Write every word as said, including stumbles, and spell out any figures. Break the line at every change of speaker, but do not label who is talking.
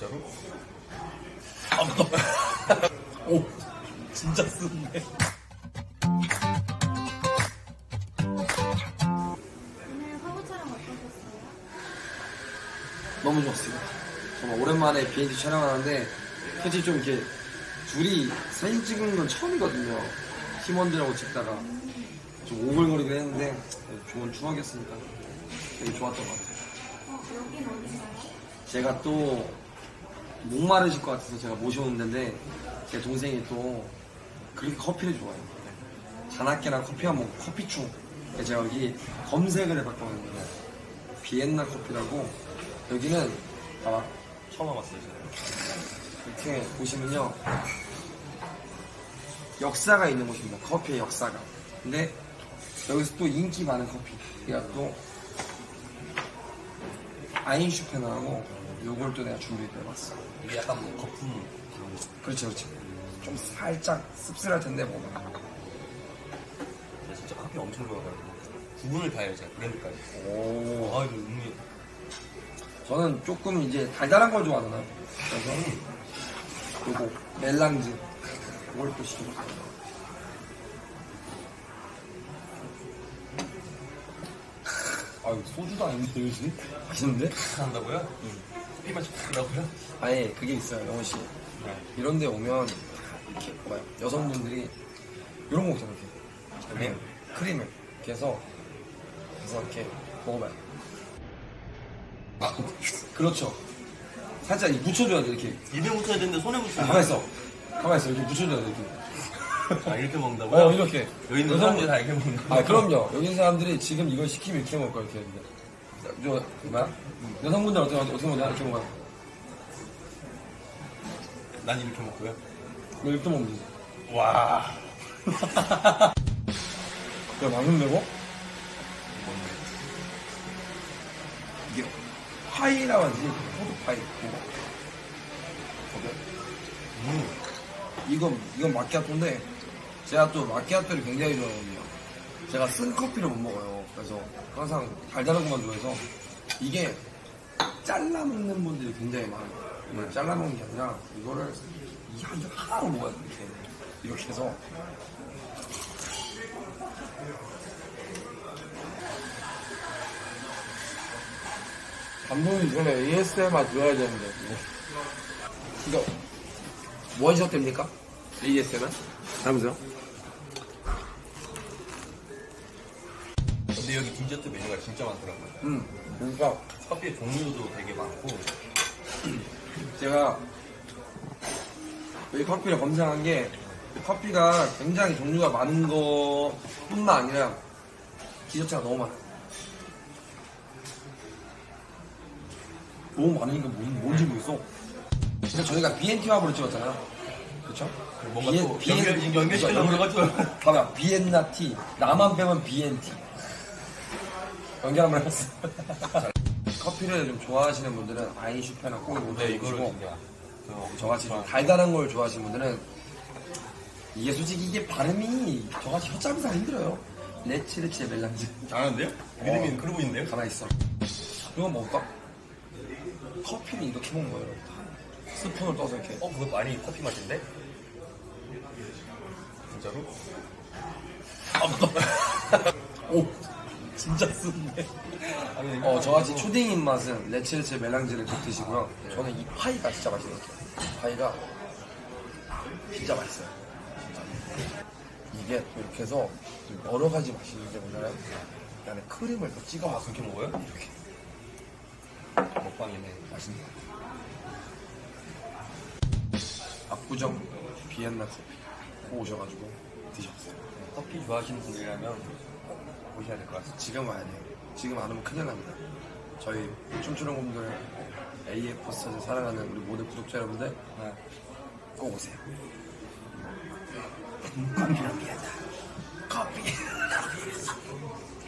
진짜로?
오, 진짜 쓰는데.
오늘 화보 촬영 어떠셨어요?
너무 좋았어요. 정말 오랜만에 비엔티 촬영하는데 솔직히 좀 이렇게 둘이 사진 찍은 건 처음이거든요. 팀원들하고 찍다가 좀 오글거리긴 했는데 좋은 추억이었으니까 되게 좋았던 것 같아요.
어, 여긴 어딘가요?
제가 또 목마르실 것 같아서 제가 모셔온 데인데 제 동생이 또 그렇게 커피를 좋아해요. 자나깨랑 커피 한번 커피충. 그래서 제가 여기 검색을 해봤거든요. 비엔나 커피라고. 여기는 봐봐.
처음 와봤어요, 저는.
이렇게 보시면요, 역사가 있는 곳입니다. 커피의 역사가. 근데 여기서 또 인기 많은 커피. 내가 또 아인슈페너라고 요걸 또 내가 준비해봤어.
이게 약간 뭐 거품 그런 거.
그렇지, 그렇지. 좀 살짝 씁쓸할 텐데 뭐.
제가 진짜 커피 엄청 좋아해가지고 구분을 다 해요, 제가 브랜드까지.
오.
아, 이거 음미.
저는 조금 이제 달달한 걸 좋아하잖아요. 그래서 요거 멜랑즈 이걸 또 시켜봤어요. 아, 소주도 아닌데 요즘? 맛있는데?
한다고요? 응. 커피만 시키더라고요.
아예 그게 있어요, 영호 씨.
네.
이런 데 오면 이렇게 봐요. 여성분들이 이런 거 먹잖아요. 이렇게.
크림?
크림을 이렇게 해서 그래서 이렇게 먹어봐요. 아, 그렇죠. 살짝 이 묻혀줘야 돼, 이렇게.
입에 묻혀야 되는데 손에
아,
묻혀야
가만 있어. 가만 있어. 이렇게 묻혀줘야 돼, 이렇게.
아, 이렇게 먹는다고요?
어, 이렇게.
여기 있는 사람들이 다 이렇게 먹는 거예요?
아, 그럼요. 여기 있는 사람들이 지금 이걸 시키면 이렇게 먹을 거야, 이렇게. 저, 뭐야? 여성분들 어떻게, 어떻게 먹냐? 이렇게 먹어요.
난 이렇게 먹고요.
이거 이렇게 먹으면 되지.
와.
야, 맛있는데, 이거? 이게 파이라고 하지, 포도파이. 이거.
음.
이건, 이건 마키아토인데, 제가 또 마키아토를 굉장히 좋아하거든요. 제가 쓴 커피를 못 먹어요. 그래서 항상 달달한 것만 좋아해서, 이게 잘라 먹는 분들이 굉장히 많아요. 이걸 잘라 먹는 게 아니라, 이거를 이 한 줄 하나로 먹어야 돼, 이렇게. 이렇게 해서. 감독님 전에 에이에스엠알 들어야 되는데. 이거, 원샷 됩니까? 에이에스엠알? 다음으세요.
근데 여기 디저트 메뉴가 진짜 많더라고요.
음, 그러니까
커피의 종류도 되게 많고.
제가 이 커피를 검색한 게 커피가 굉장히 종류가 많은 거 뿐만 아니라 디저트가 너무 많아요. 너무 많으니까 뭔, 뭔지 모르겠어. 근데 저희가 비엔티 화보를 찍었잖아요. 그쵸?
뭔가 또 연결- 연결시키려고 해가지고.
봐봐, 비엔나 티. 나만 빼면 비엔티. 연결 한번 해봤어. 커피를 좀 좋아하시는 분들은 아인슈페너 꼭
근데 이거를
먹어보시고,
진짜. 저
저같이 좀 달달한 걸 좋아하시는 분들은 이게 솔직히 이게 발음이 저같이 혀잡이 잘 힘들어요. 레치레치 멜랑즈.
잘하는데요? 믿음이 그러고 있는데요?
가만히 있어. 이거 먹을까? 커피는 이렇게 먹는 거예요. 여러분. 스푼을 떠서 이렇게.
어, 그거 많이 커피 맛인데? 진짜로?
오, 진짜 쓰는데.
아니,
어, 저같이 초딩 입맛은 레치레치 멜랑즈를 꼭 드시고요. 저는 이 파이가 진짜 맛있는 것 같아요. 파이가 진짜 맛있어요. 진짜. 이게 또 이렇게 해서 여러 가지 맛이 있는데 뭐냐면 이 안에 크림을 또 찍어
아,
먹어요.
그렇게 먹어요?
이렇게.
먹방이네.
맛있네. 압구정 비엔나 커피 꼭 오셔가지고 드셔보세요.
커피 좋아하시는 분들이라면 꼭 오셔야 될 것 같습니다.
지금 와야 돼요. 지금 안 오면 큰일 납니다. 저희 춤추는 곰들 에이에프 스타즈 사랑하는 우리 모든 구독자 여러분들
네.
꼭 오세요. 커피랑 비엔나 커피